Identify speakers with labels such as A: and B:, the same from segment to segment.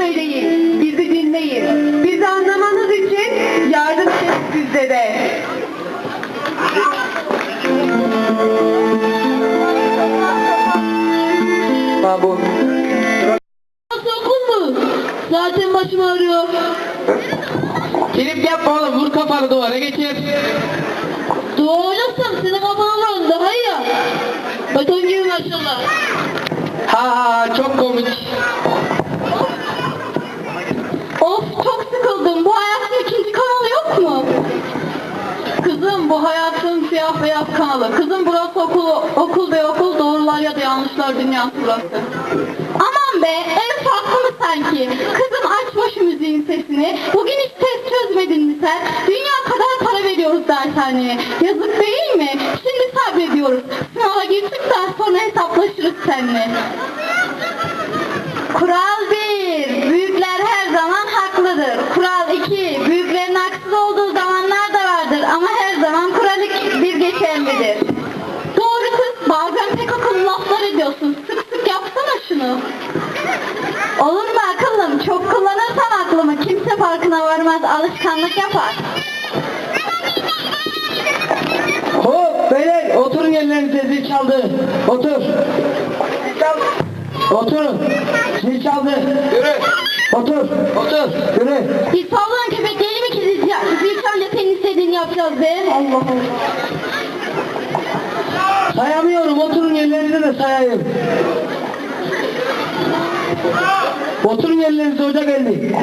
A: söyleyin, bizi dinleyin. Bizi anlamanız için yardım edin sizde de.
B: Bu.
C: Nasıl okul mu? Zaten başım ağrıyor.
B: Gelip yapma oğlum, vur kafanı duvara geçir.
C: Dua oynasam senin kafana vurun daha iyi ya. Beton gibi maşallah.
B: Ha çok komik.
C: Of çok sıkıldım. Bu hayatın ikinci kanalı yok mu? Kızım bu hayatın siyah beyaz kanalı. Kızım burası okul ve okul doğrular ya da yanlışlar dünyası burası. Aman be ev farklı mı sanki? Kızım aç başı müziğin sesini. Bugün hiç test çözmedin mi sen? Dünya kadar para veriyoruz dershaneye. Yazık değil mi? Şimdi sabrediyoruz. Sınava girdikten sonra hesaplaşırız seninle. Kural 1. Büyükler her zaman haklıdır. Kural 2. Büyüklerin haksız olduğu zamanlar da vardır ama her zaman kural 1 geçerlidir. Doğru kız, bazen pek akıllı laflar ediyorsun. Sık sık yapsana şunu. Olur mu akıllım? Çok kullanırsan aklımı kimse farkına varmaz, alışkanlık yapar.
B: Hop beyler, oturun yerlerinize, zil çaldı. Otur. Oturun. Zil çaldı. Yürü. Otur. Otur. Yürü.
C: Biz savlanan köpek değil mi ki zil çalınca senin istediğini yapacağız be? Allah Allah.
B: Sayamıyorum, oturun yerlerinize de sayayım. Oturun yerlerinize, hoca geldi.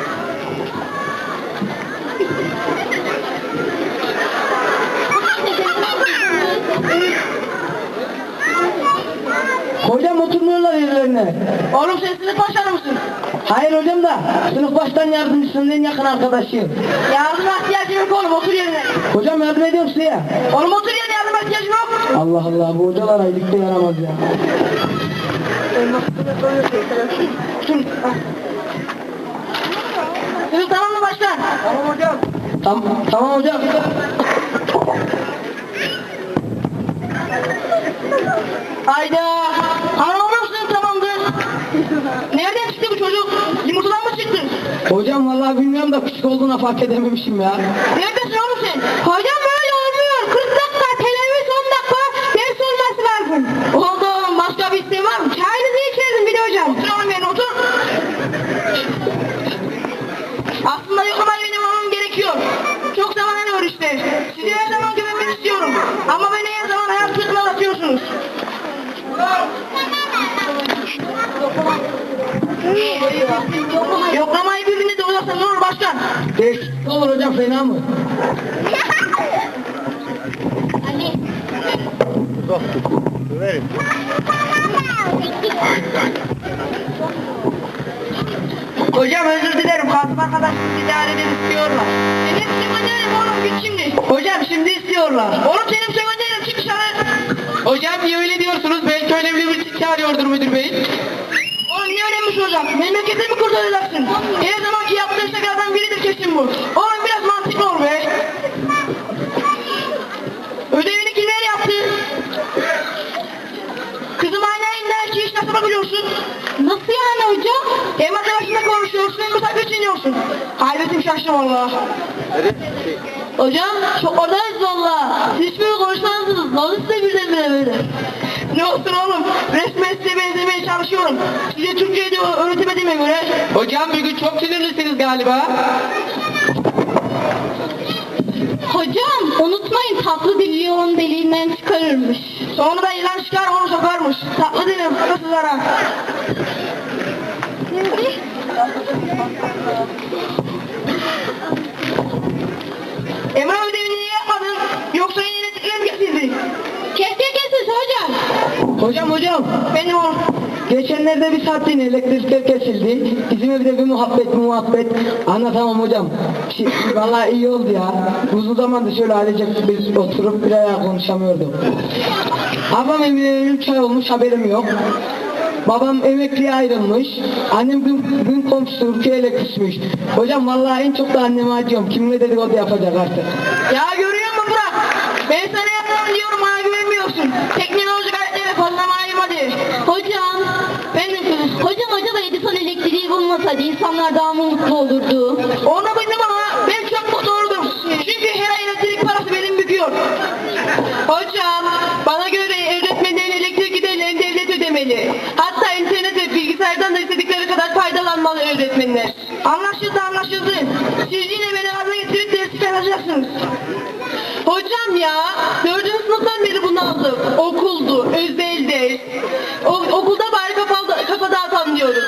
B: Hocam oturmuyorlar yerlerine.
C: Oğlum sen sınıf başkanı mısın?
B: Hayır hocam da sınıf baştan yardımcısının en yakın arkadaşıyım.
C: Yardıma ihtiyacım yok oğlum, otur yerine.
B: Hocam yardım ediyorum size ya.
C: Oğlum otur yerine, yardıma ihtiyacım yok.
B: Allah Allah, bu hocalar aylıkta yaramaz ya.
C: Sınıf tamam mı başkan?
B: Tamam hocam. Tamam hocam.
C: Hayda. Anlamıyor musun tamamdır? Nereden çıktı bu çocuk? Yumurtadan mı çıktı?
B: Hocam vallahi bilmiyorum da küçük olduğuna fark edememişim ya.
C: Neredesin oğlum sen? Hocam böyle olmuyor. 40 dakika, televizyon 10 dakika ders olması lazım. Oldu oğlum, başka bir isteğin var mı? Çayınızı içerim bir de hocam. Otur oğlum yerine, otur. Aslında yoklamayı benim olmam gerekiyor. Çok zaman var işte. Sizi her zaman güvenmek istiyorum. Ama beni her zaman hayal sırtına atıyorsunuz. Yoklamayı birbirine de uzatsan ne olur başkan?
B: Değişiklik olur hocam, fena mı?
C: Hocam özür dilerim, kasım arkadaşım idareden istiyorlar. Benim sekonderim oğlum, git şimdi. Hocam şimdi istiyorlar. Oğlum senin sekonderim, çık dışarı.
B: Hocam niye öyle diyorsunuz? Belki önemli bir şey çağırıyordur müdür bey.
C: Oğlum niye önemli hocam? Memleketi mi kurtaracaksın? Her zamanki yaptığın şakalardan biridir kesin bu. Oğlum biraz mantıklı ol be. Ödevini kimler yaptı? Kızım aynı ki iş nasıl bakıyorsun? Nasıl yani hocam? Hem arkadaşınla konuşuyorsun hem misafir geçiniyorsun. Hayretim şaştı valla. Hocam çok oradayız valla. Siz hiç böyle konuşmazsınız. Ne oldu size birdenbire böyle? Ne olsun oğlum? Resmen size benzemeye çalışıyorum. Size Türkçe'yi de öğretemediğime göre.
B: Hocam bugün çok sinirlisiniz galiba.
C: Hocam unutmayın, tatlı dil yoğun deliğinden çıkarırmış. Sonra da yılan çıkar onu sokarmış. Tatlı dilim kızlara. Emre ödevini niye yapmadın? Yoksa yine iletişimle mi kesildi? Kesildi hocam.
B: Hocam.
C: Benim oğlum.
B: Geçenlerde bir saatliğine elektrikler kesildi. Bizim evde bir muhabbet. Anlatamam hocam. Vallahi iyi oldu ya. Uzun zamandır şöyle ailecek biz oturup bir ayağa konuşamıyorduk. Babam evine 3 ay olmuş, haberim yok. Babam emekliye ayrılmış. Annem gün komşusu Rukiye'yle küsmüş. Hocam vallahi en çok da anneme acıyorum. Kimle dedikodu yapacak artık.
C: Ya görüyor musun Burak? Ben sana yapmam diyorum, bana güvenmiyorsun. Teknolojik aletlere fazla malum hadi. Hocam acaba Edison elektriği bulma olmasaydı insanlar daha mı mutlu olurdu?
B: Onu bildim ama ben çok mutlu oldum. Çünkü her ay elektrik parası benim büküyor.
A: Hocam, bana göre öğretmenlerin elektrik giderlerini devlet ödemeli. Hatta internet ve bilgisayardan da istedikleri kadar faydalanmalı öğretmenler.
B: Anlaşıldı. Siz yine beni gaza getirip dersi çalacaksınız.
A: Hocam ya, 4. sınıftan beri bunu aldım. Okuldu, özel ders. Okulda bari kafa dağıtan diyoruz.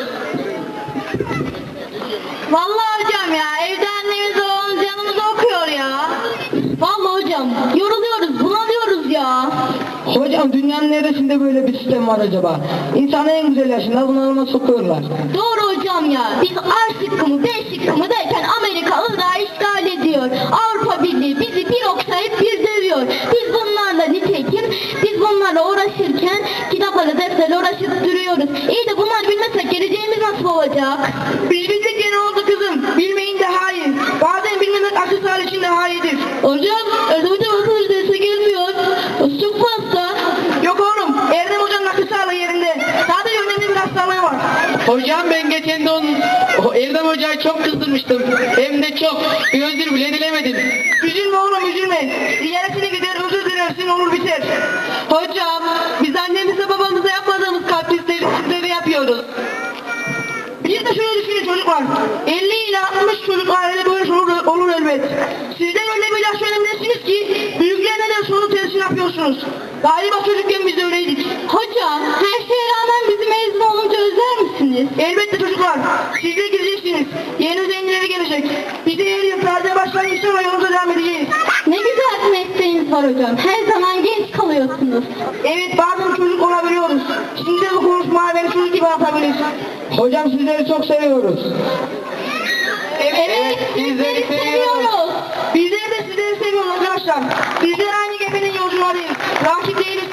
C: Vallahi hocam ya, evde annemiz babamız yanımızda okuyor ya. Vallahi hocam, yoruluyoruz, bunalıyoruz ya.
B: Hocam dünyanın neresinde böyle bir sistem var acaba? İnsanı en güzel yaşında bunalıma sokuyorlar.
C: Doğru hocam ya, biz A şıkkımı, B şıkkımı derken Amerika Irak'ı işgal ediyor. Avrupa Birliği bizi bir okşayıp bir dövüyor. Biz bunlarla uğraşırken kitaplarla defterle uğraşıp duruyoruz. İyi de bunlar bilmezsek geleceğimiz nasıl olacak?
B: Biz bildik ya ne oldu kızım? Bilmeyin daha iyi. Bazen bilmemek aksesuar için daha iyidir.
C: Hocam, Erdem Hoca nasıl derse gelmiyor? Çok fazla.
B: Yok oğlum, Erdem Hoca'nın aksesuarla yerinde. Sadece önemli bir hastalığı var.
D: Hocam ben geçen de Erdem Hoca'yı çok kızdırmıştım. Hem de çok. Bir özür bile dilemedim.
B: Üzülme oğlum üzülme. Ziyaretine gider özür dilersin olur biter.
A: Hocam, biz annemize babamıza yapmadığımız kaprisleri sizlere yapıyoruz.
B: Bir de şöyle düşünün çocuklar. 50 ile 60 çocuk ailede böyle olur elbet. Sizden öyle bir ilaç önemlisiniz ki büyükler neden sonu tersini yapıyorsunuz. Galiba çocukken biz de öyleydik.
C: Hocam, her şeye rağmen bizi mezun olunca özler misiniz?
B: Elbette çocuklar. Siz de gideceksiniz. Yeni zenginleri gelecek. Biz de her yıl perde başlayıp sonra yolumuza devam edeceğiz.
C: Ne güzel bir mesleğiniz var hocam. Her zaman genç kalıyorsunuz.
B: Evet bazen çocuk olabiliyoruz. Şimdi de bu konuşmaya beni çocuk gibi atabilir. Hocam sizleri çok seviyoruz.
C: Evet, sizleri seviyoruz.
B: Bizler de sizleri seviyoruz arkadaşlar. Bizler aynı geminin yolcularıyız. Rakip değiliz